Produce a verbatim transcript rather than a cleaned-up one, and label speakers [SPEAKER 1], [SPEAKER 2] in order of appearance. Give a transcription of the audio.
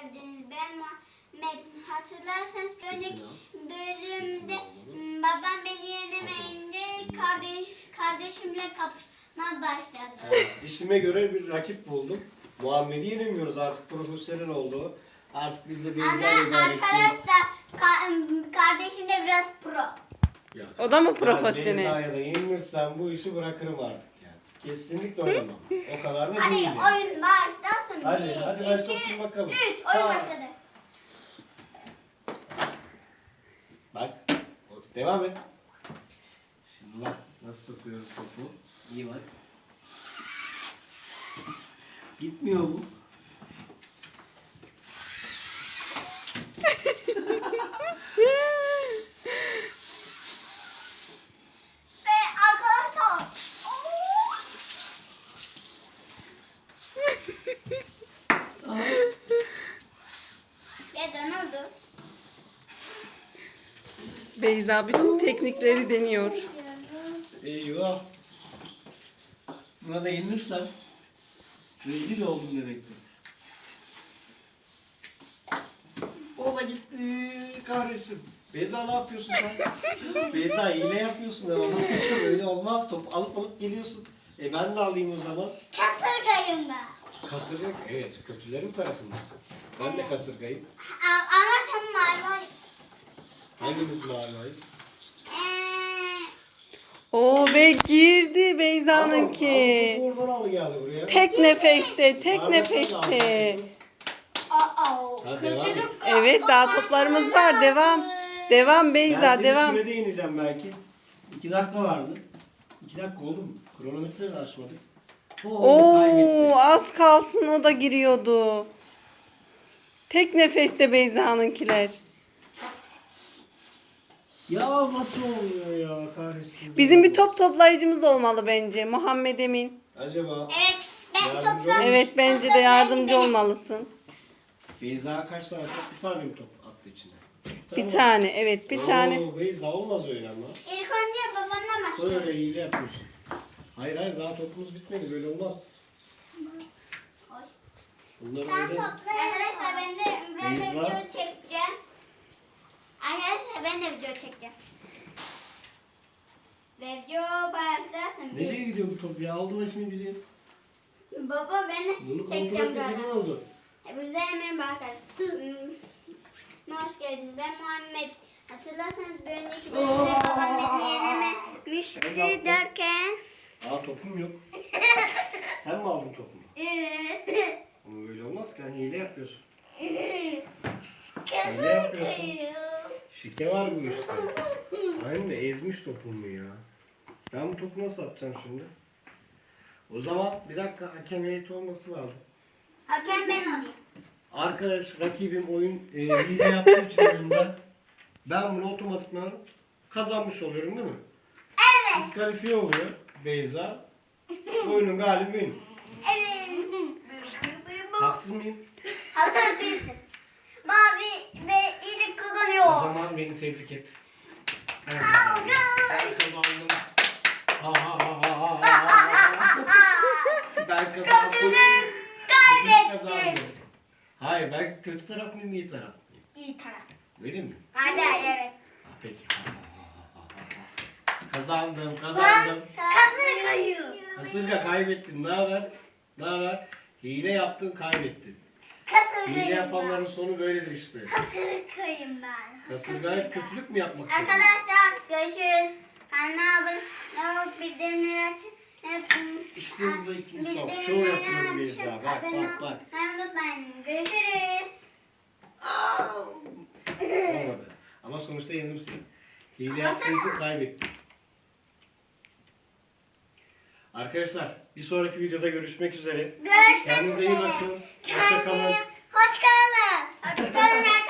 [SPEAKER 1] geldiniz. Ben Muhammed. Hatırlarsanız bir önceki bölümde babam beni yenemeyince kardeş, kardeşimle kapışma başladı.
[SPEAKER 2] Evet, dişime göre bir rakip buldum. Muhammed'i yenemiyoruz, artık profesyonel oldu. Artık biz de Beyza'yla
[SPEAKER 1] Ama
[SPEAKER 2] idare edeceğiz.
[SPEAKER 1] arkadaşlar ka- kardeşim de biraz pro.
[SPEAKER 2] Ya,
[SPEAKER 3] O da mı
[SPEAKER 2] ben
[SPEAKER 3] profesyonel?
[SPEAKER 2] Beyza'ya da yenilirsem bu işi bırakırım artık yani. Kesinlikle oynamam. O kadar da
[SPEAKER 1] Hadi
[SPEAKER 2] değil yani.
[SPEAKER 1] oyun başlasın.
[SPEAKER 2] Hadi,
[SPEAKER 1] Bir,
[SPEAKER 2] hadi
[SPEAKER 1] iki,
[SPEAKER 2] başlasın bakalım.
[SPEAKER 1] Üç, oyun
[SPEAKER 2] Tamam.
[SPEAKER 1] başladı.
[SPEAKER 2] Bak, devam et. Şimdi bak nasıl sokuyoruz topu. İyi bak. Gitmiyor bu.
[SPEAKER 1] Ve arkadaşlar. Ve ne oldu?
[SPEAKER 3] Beyza bütün teknikleri deniyor.
[SPEAKER 2] Eyvah. Buna da yenilirsem rezil oldum demektir. O da gitti kahretsin. Beyza ne yapıyorsun sen? Beyza hile yapıyorsun ama nasıl öyle olmaz, top alıp alıp geliyorsun. E ben de alayım o zaman.
[SPEAKER 1] Kasırgayım ben.
[SPEAKER 2] Kasırga, evet, kötülerin tarafındasın. Ben de kasırgayım.
[SPEAKER 1] A- Ama sen mavi.
[SPEAKER 2] Hangimiz mavi ayı?
[SPEAKER 1] Eee,
[SPEAKER 3] Oo ve girdi Beyza'nınki.
[SPEAKER 2] Al, al, oradan al geldi buraya.
[SPEAKER 3] Tek nefeste, tek
[SPEAKER 2] Parmakla
[SPEAKER 3] nefeste.
[SPEAKER 1] aa,
[SPEAKER 2] Ha, devam et.
[SPEAKER 1] kötülük.
[SPEAKER 3] Evet, daha toplarımız var. Devam. Devam
[SPEAKER 2] Ben
[SPEAKER 3] Beyza,
[SPEAKER 2] seni
[SPEAKER 3] devam.
[SPEAKER 2] sürede ineceğim belki. İki dakika vardı. İki dakika oldu mu? Kronometreyi de açmadık. O orada kaybetti.
[SPEAKER 3] Oo, az kalsın o da giriyordu. Tek nefeste Beyza'nınkiler.
[SPEAKER 2] Ya nasıl oluyor ya kahretsin.
[SPEAKER 3] Bizim bir top toplayıcımız olmalı bence. Muhammed Emin.
[SPEAKER 2] Acaba
[SPEAKER 1] Evet, ben
[SPEAKER 2] Yardımcı
[SPEAKER 1] toplam.
[SPEAKER 3] Evet, bence de yardımcı olmalısın.
[SPEAKER 2] Beyza kaç tane top? Bir tane mi top attı içine?
[SPEAKER 3] Bir tane, evet bir tane.
[SPEAKER 2] Oo, Beyza olmaz öyle ama.
[SPEAKER 1] İlk önce babanla başladı.
[SPEAKER 2] Böyle hile yapıyorsun. Hayır hayır, daha topumuz bitmedi, böyle olmaz. Bunları
[SPEAKER 1] Sen
[SPEAKER 2] öyle...
[SPEAKER 1] topla. Arkadaşlar ben de, ben de
[SPEAKER 2] Beyza.
[SPEAKER 1] video çekeceğim. Arkadaşlar ben de video çekeceğim. Video başlasın.
[SPEAKER 2] Nereye gidiyor bu top ya? Aldı başını gidiyor.
[SPEAKER 1] Baba ben de
[SPEAKER 2] Bunu kontrol
[SPEAKER 1] çekeceğim
[SPEAKER 2] etmedi, ne
[SPEAKER 1] birazdan.
[SPEAKER 2] oldu?
[SPEAKER 1] Hepinize merhaba arkadaşlar. Hoş geldiniz. Ben Muhammed. Hatırlarsanız bir önceki bölümde babam beni yenememişti derken.
[SPEAKER 2] Aa, topum yok. Sen mi aldın topumu? Ama öyle olmaz ki, hani hile yapıyorsun. Hile yapıyorsun. Şike var bu işte. Aynen de ezmiş topumu ya. Ben bu topu nasıl atacağım şimdi? O zaman bir dakika, hakem heyeti olması lazım.
[SPEAKER 1] Hakem ben olayım.
[SPEAKER 2] Arkadaş, rakibim oyun e, hile yaptığı için oyunda ben bunu otomatikman kazanmış oluyorum değil mi?
[SPEAKER 1] Evet.
[SPEAKER 2] Diskalifiye oluyor Beyza. Oyunun galibi benim.
[SPEAKER 1] Evet.
[SPEAKER 2] Haksız mıyım?
[SPEAKER 1] Hazır değilsin. Mavi ve iyilik
[SPEAKER 2] O
[SPEAKER 1] kazanıyor.
[SPEAKER 2] zaman beni tebrik et. Ben kazandım. Ben kazandım. Ha, ha, ha, ha, ha, ha, ha. Ben kazandım.
[SPEAKER 1] Kötülük
[SPEAKER 2] Ben
[SPEAKER 1] kaybetti.
[SPEAKER 2] kazandım. Hayır, ben kötü taraf mıyım, iyi taraf mıyım?
[SPEAKER 1] İyi taraf.
[SPEAKER 2] Öyle mi?
[SPEAKER 1] Hadi evet.
[SPEAKER 2] Ha, peki. Ha, ha, ha, ha, ha. Kazandım, kazandım.
[SPEAKER 1] Kasır kayıyor.
[SPEAKER 2] Kasırga, kaybettin. Ne haber? Ne haber? Hile yaptın, kaybettin.
[SPEAKER 1] Kasır
[SPEAKER 2] Hile yapanların sonu böyledir işte.
[SPEAKER 1] Kasır kayım ben.
[SPEAKER 2] Kasırga hep kötülük mü yapmak zorunda?
[SPEAKER 1] Arkadaşlar görüşürüz. Kanalıma abone olup bildirimleri açın.
[SPEAKER 2] İşte bu da ikinci son. Şov yapıyorum Beyza. Bak bak bak.
[SPEAKER 1] Unutmayın. Görüşürüz.
[SPEAKER 2] Olmadı. Ama sonuçta yendim seni. Hile yaptığın için kaybettin. Arkadaşlar, bir sonraki videoda görüşmek üzere.
[SPEAKER 1] Görüşmek
[SPEAKER 2] Kendinize iyi
[SPEAKER 1] üzere.
[SPEAKER 2] bakın. Hoşça kalın.
[SPEAKER 1] Hoşçakalın. Hoşçakalın.